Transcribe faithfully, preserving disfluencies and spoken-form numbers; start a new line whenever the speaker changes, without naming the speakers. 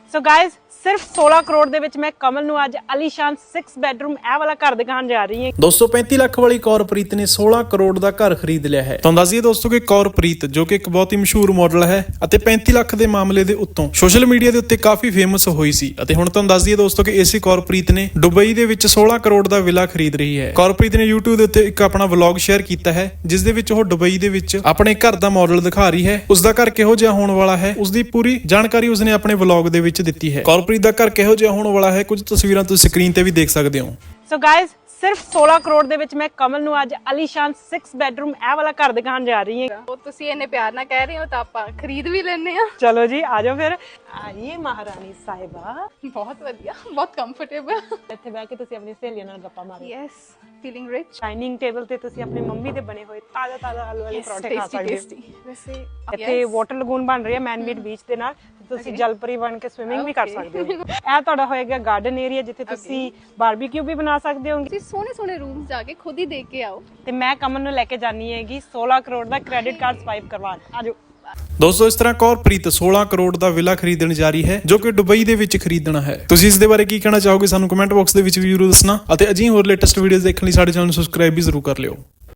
So guys ਸਿਰਫ सोलह ਕਰੋੜ ਦੇ ਵਿੱਚ ਮੈਂ ਕਮਲ ਨੂੰ ਅੱਜ ਅਲੀਸ਼ਾਨ सिक्स ਬੈਡਰੂਮ ਇਹ ਵਾਲਾ ਘਰ ਦਿਖਾਉਣ ਜਾ ਰਹੀ ਹਾਂ।
ਦੋ ਸੌ ਪੈਂਤੀ ਲੱਖ ਵਾਲੀ ਕੌਰਪ੍ਰੀਤ ਨੇ सोलह ਕਰੋੜ ਦਾ ਘਰ ਖਰੀਦ ਲਿਆ ਹੈ। ਤੁਹਾਨੂੰ ਦੱਸ ਦਈਏ ਦੋਸਤੋ ਕਿ ਕੌਰਪ੍ਰੀਤ ਜੋ ਕਿ ਇੱਕ ਬਹੁਤ ਹੀ ਮਸ਼ਹੂਰ ਮਾਡਲ ਹੈ ਅਤੇ ਪੈਂਤੀ ਲੱਖ ਦੇ ਮਾਮਲੇ ਦੇ ਉੱਤੋਂ ਸੋਸ਼ਲ ਮੀਡੀਆ ਦੇ ਉੱਤੇ ਕਾਫੀ ਫੇਮਸ ਹੋਈ ਸੀ ਅਤੇ ਹੁਣ ਤੁਹਾਨੂੰ ਦੱਸ ਦਈਏ ਦੋਸਤੋ ਕਿ ਇਸੇ ਕੌਰਪ੍ਰੀਤ ਨੇ ਦੁਬਈ ਦੇ ਵਿੱਚ सोलह ਕਰੋੜ ਦਾ ਵਿਲਾ ਖਰੀਦ ਰਹੀ ਹੈ। ਕੌਰਪ੍ਰੀਤ ਨੇ YouTube ਦੇ ਉੱਤੇ ਇੱਕ ਆਪਣਾ ਵਲੌਗ ਸ਼ੇਅਰ ਕੀਤਾ ਹੈ ਜਿਸ ਦੇ ਵਿੱਚ ਉਹ ਦੁਬਈ ਦੇ ਵਿੱਚ ਆਪਣੇ ਘਰ ਦਾ ਮਾਡਲ ਦਿਖਾ ਰਹੀ ਹੈ। ਉਸ ਦਾ ਘਰ ਕਿਹੋ ਜਿਹਾ ਹੋਣ ਵਾਲਾ ਹੈ ਉਸ ਦੀ ਪੂਰੀ ਜਾਣਕਾਰੀ ਉਸਨੇ ਆਪਣੇ ਵਲੌਗ ਦੇ ਵਿੱਚ ਦਿੱਤੀ ਹੈ। ਕੌਰਪ੍ਰੀਤ ਦਾ ਘਰ ਕਿਹੋ ਜਿਹਾ ਹੋਣ ਵਾਲਾ ਹੈ ਕੁਝ ਤਸਵੀਰਾਂ ਤੁਸੀਂ ਸਕਰੀਨ ਤੇ ਵੀ ਦੇਖ ਸਕਦੇ ਹੋ।
ਸੋ ਗਾਇਜ਼ ਸਿਰਫ सोलह ਕਰੋੜ ਦੇ ਵਿੱਚ ਮੈਂ ਕਮਲ ਨੂੰ ਅੱਜ ਅਲੀਸ਼ਾਨ सिक्स ਬੈਡਰੂਮ ਇਹ ਵਾਲਾ ਘਰ ਦਿਖਾਉਣ ਜਾ ਰਹੀ ਹਾਂ।
ਉਹ ਤੁਸੀਂ ਇੰਨੇ ਪਿਆਰ ਨਾਲ ਕਹਿ ਰਹੇ ਹੋ ਤਾਂ ਆਪਾਂ ਖਰੀਦ ਵੀ ਲੈਣੇ ਆ।
ਚਲੋ ਜੀ ਆ ਜਾਓ ਫਿਰ। ਆਈਏ ਮਹਾਰਾਣੀ ਸਾਹਿਬਾ।
ਬਹੁਤ ਵਧੀਆ, ਬਹੁਤ ਕੰਫਰਟੇਬਲ।
ਇੱਥੇ ਬਹਿ ਕੇ ਤੁਸੀਂ ਆਪਣੀ ਸਹੇਲੀਆਂ ਨਾਲ ਗੱਪਾਂ ਮਾਰੋ।
Yes, feeling rich.
Dining table ਤੇ ਤੁਸੀਂ ਆਪਣੀ ਮੰਮੀ ਦੇ ਬਣੇ ਹੋਏ ਤਾਜ਼ਾ ਤਾਜ਼ਾ ਆਲੂ ਵਾਲੇ ਪਰੌਂਠੇ ਖਾ ਸਕਦੇ ਹੋ।
ਵੈਸੇ
ਇੱਥੇ ਵਾਟਰ ਲਗੂਨ ਬਣ ਰਹੀ ਹੈ ਮੈਨਮੇਡ ਬੀਚ ਦੇ ਨਾਲ। ਤੁਸੀਂ ਜਲਪਰੀ ਬਣ ਕੇ ਸਵਿਮਿੰਗ ਵੀ ਕਰ ਸਕਦੇ ਹੋ। ਇਹ ਤੁਹਾਡਾ ਹੋਏਗਾ ਗਾਰਡਨ ਏਰੀਆ ਜਿੱਥੇ ਤੁਸੀਂ ਬਾਰਬੀਕਿਊ ਵੀ ਬਣਾ ਸਕਦੇ ਹੋ।
ਤੁਸੀਂ ਸੋਹਣੇ ਸੋਹਣੇ ਰੂਮਸ ਜਾ ਕੇ ਖੁਦ ਹੀ ਦੇਖ ਕੇ ਆਓ।
ਤੇ ਮੈਂ ਕਮਲ ਨੂੰ ਲੈ ਕੇ ਜਾਣੀ ਹੈਗੀ सोलह ਕਰੋੜ ਦਾ ਕ੍ਰੈਡਿਟ ਕਾਰਡ ਸਵਾਈਪ ਕਰਵਾਉਣ। ਆਜੋ
ਦੋਸਤੋ ਇਸ ਤਰ੍ਹਾਂ ਕੌਰਪ੍ਰੀਤ सोलह ਕਰੋੜ ਦਾ ਵਿਲਾ ਖਰੀਦਣ ਜਾ ਰਹੀ ਹੈ ਜੋ ਕਿ ਦੁਬਈ ਦੇ ਵਿੱਚ ਖਰੀਦਣਾ ਹੈ। ਤੁਸੀਂ ਇਸ ਦੇ ਬਾਰੇ ਕੀ ਕਹਿਣਾ ਚਾਹੋਗੇ ਸਾਨੂੰ ਕਮੈਂਟ ਬਾਕਸ ਦੇ ਵਿੱਚ ਵੀ ਜ਼ਰੂਰ ਦੱਸਣਾ ਅਤੇ ਅਜਿਹੀ ਹੋਰ ਲੇਟੈਸਟ ਵੀਡੀਓਜ਼ ਦੇਖਣ ਲਈ ਸਾਡੇ ਚੈਨਲ ਨੂੰ ਸਬਸਕ੍ਰਾਈਬ ਵੀ ਜ਼ਰੂਰ ਕਰ ਲਿਓ।